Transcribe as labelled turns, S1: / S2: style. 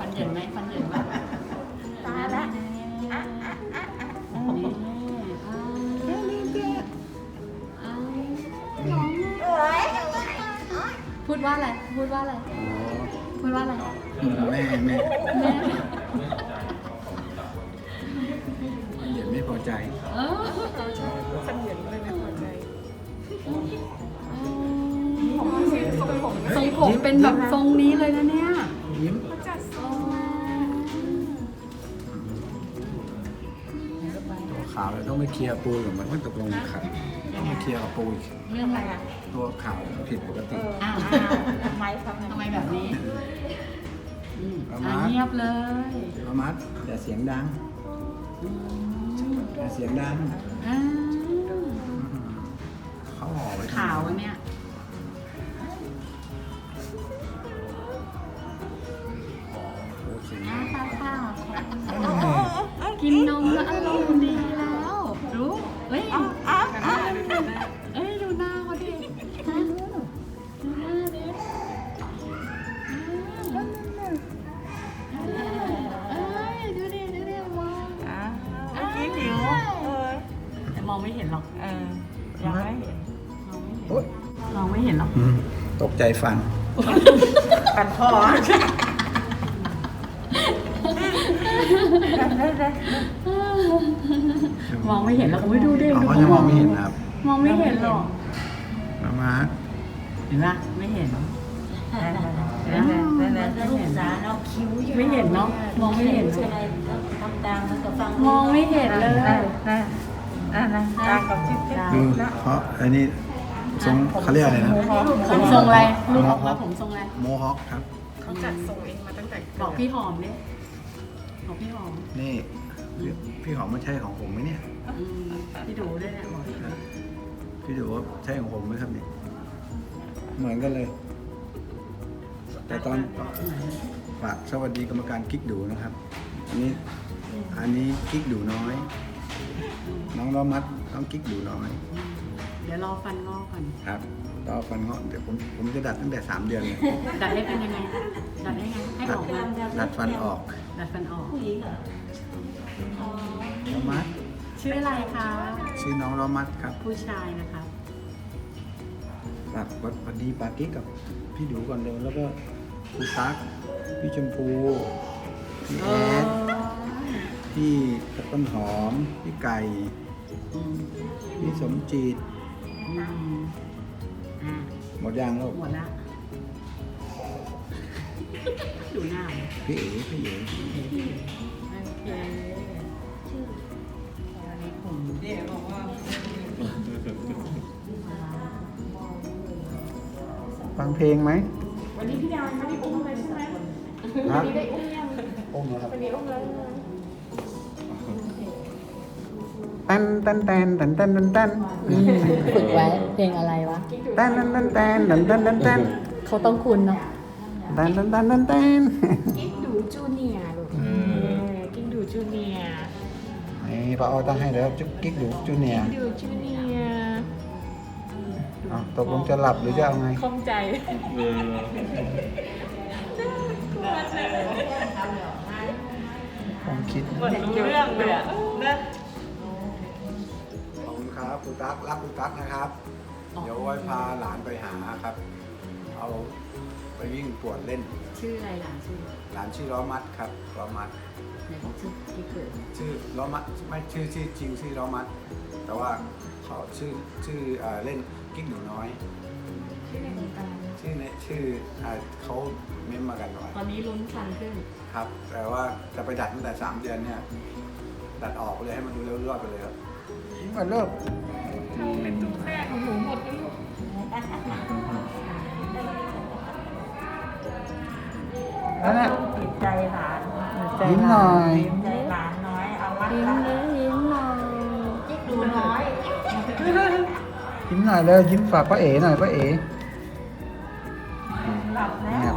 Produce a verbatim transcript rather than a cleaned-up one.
S1: ฟันเหยินไหมฟันเหยินไหมตาละอ่ะอ่ะอ่ะอ่ะนี่อ่าพูดว่าอะไรพูดว่าอะไรพูดว่าอะไร
S2: แม่แม่
S1: แม่
S2: เหยียดไม่พอใจ
S1: เออ
S3: ฟันเหยินเลยไม่พอใจ
S1: ทรงผมเป็นแบบทรงนี้เลยนะเนี่ย
S2: ยิ้ม
S3: จัดทรง
S2: ตัวขาวเราต้องไปเคลียร์ปูกับมันว่าตกลงขัดต้องไปเคลียร์กับปูอีก
S1: เรื่องอะไรอ่ะ
S2: ตัวขาวผิดปกติ
S1: อ้าว
S3: ทำไมทำไม
S1: ทำไมแบบนี้อืม
S2: ประ
S1: อ่ะ
S2: มาณ
S1: เงียบเลย
S2: ประมัดอย่าเสียงดังอย่าเสียงดัง
S1: อ่า
S2: เขาห่อไว้
S1: ขาวอันเนี่ย
S2: โอเค
S1: อ้าปากปากกินนมแล้วอารมณ์ดีแล้ว รู้เฮ้ยเอ้ยดูหน้าเขาดิฮะดูหน้าดิเอ้ยดูดิดูดิมอง
S3: อ่ะเมื่อกี้ผิวเออ
S1: แต่มองไม่เห็นหรอก
S3: เออยังไม่เห็น
S1: มองไม่เห็น
S2: โอ๊ย
S1: มองไม่เห็นหรอก
S2: อืมตกใจฟัน
S3: กันคอได้ได้
S1: มองไม่เห็นหรอกอุ้ยดูดิ
S2: เขา
S1: ดู
S2: ก็จะมองไม่เห็นนะครับ
S1: มองไม่เห็นหรอก
S2: ประมาณ
S1: เห็นปะไม่เห็น
S3: ได้ได้ได้ได้
S4: ลูกสาวเราคิ้วอยู่
S1: ไม่เห็นเนาะมองไม่เห็น
S4: อะไรทำตามมันก็ฟัง
S1: มองไม่เห็นเลย
S3: ได้ได้ได้ได้ตากับจิ๊บจิ๊บ
S2: ดูเพราะอันนี้ทรงเขาเรียกอะไรนะ
S1: ผมทรงอะไรลูกออกมาผมทรงอะไร
S2: โมฮอคครับ
S3: เขาจัดทรงเองมาตั้งแต่
S1: บอกพี่หอมเนี่ยบอกพี่หอม
S2: นี่พี่หอมมันใช่ของผมไหมเนี่ย
S1: อืมพี่ดูด้วยเนี่ยบอกพี่ดู
S2: พี่ดูว่าใช่ของผมไหมครับเนี่ยเหมือนกันเลย แต่ตอนฝากสวัสดีกรรมการกิ๊กดูนะครับ อันนี้อันนี้กิ๊กดูน้อย น้องล้อมัดน้องกิ๊กดูน้อย
S1: เดี๋ยวรอฟันงอกก่อน
S2: ครับต่อฟันเงาะเดี๋ยวผมผมจะดัดตั้งแต่สามเดือนเลย
S1: ดัดให้เป็นยังไงดัดให้ไงให้ออกมา
S2: ดัดฟันออก
S1: ดัดฟันออก
S4: ผู้หญิงเหรอ
S2: ล้อมัด
S1: ชื่ออะไรคะ
S2: ชื่อน้องล้อมัดครับ
S1: ผู้ชายนะครับ
S2: ฝากสวัสดีปากิ๊กกับพี่ดูก่อนเร็วแล้วก็ครูตั๊กพี่ชมพูพี่แอดพี่ต้นหอมพี่ไก่
S1: อืม
S2: พี่สมจิต
S1: อืมอ่า
S2: หมดยางแล้ว
S1: หมดละดูหน้าเลย
S2: พี่เอ๋พี่เอ๋
S1: โอเคชื่ออันนี้ผม
S3: เดี๋ยวบอกว่า
S2: ฟังเพลงไหม
S3: วันนี้พี่ดาวไม่ได้อุ้มเลยใช่ไหม
S2: ฮะ
S3: วันนี้ได้อุ้มยัง
S2: โอ้มครับ
S3: วันนี้อุ้มแล้ว
S2: ตันตันตันตันตันตันตัน
S1: ฝึกไว้เพลงอะไรวะ
S2: ตันตันตันตันตันตันตันตัน
S1: เขาต้องคุณเนาะ
S2: ตันตันตันตันตัน
S3: กิ๊กดูจูเนียร์ลูกเออกิ๊กดูจูเนียร์
S2: นี่ป้าอ้อตั้งให้แล้วจุ๊กกิ๊กดูจูเนียร์
S3: ดูจูเนียร์
S2: อ้าวตกลงจะหลับหรือจะเอาไง
S3: คล่องใจ
S2: ผมคิด
S3: หมดรู้เรื่องเลยอะนะ
S2: ขอบคุณครับครูตั๊กรักครูตั๊กนะครับ เดี๋ยวไว้พาหลานไปหาครับ เอาไปวิ่งปวดเล่น
S1: ชื่ออะไรล่ะชื่อ
S2: หลานชื่อล้อมัดครับล้อมัด
S1: ไหนบอกชื่อที่เกิด
S2: ชื่อล้อมัดไม่ชื่อชื่อจริงชื่อล้อมัด แต่ว่าเขาชื่อชื่อเอ่อเล่นกิ๊กหนูน้อย
S1: ชื่อในวงการ
S2: ชื่อเนี่ยชื่ออ่าเขาเม้มมากันไว้
S1: ตอนนี้ลุ้นคันขึ้น
S2: ครับ แต่ว่าจะไปดัดตั้งแต่สามเดือนเนี่ย ดัดออกเลยให้มันดูเร็วรอดไปเลยครับมาเริ่ม
S3: เป็นตุ้งแรกของหนูหมดเลยลูก
S2: นั่นแหละ
S3: ติดใจหลาน
S2: ยิ้มหน่อย
S3: ติดใจหลานน้อยเอามัด
S1: ยิ้ม
S3: ละ
S1: เลยยิ้มหน่อย
S4: จิ๊กดูน้อย
S2: ยิ้มหน่อยเลยยิ้มฝากป้าเอ๋หน่อยป้าเอ๋
S3: หลับแล้ว
S2: เนี่ย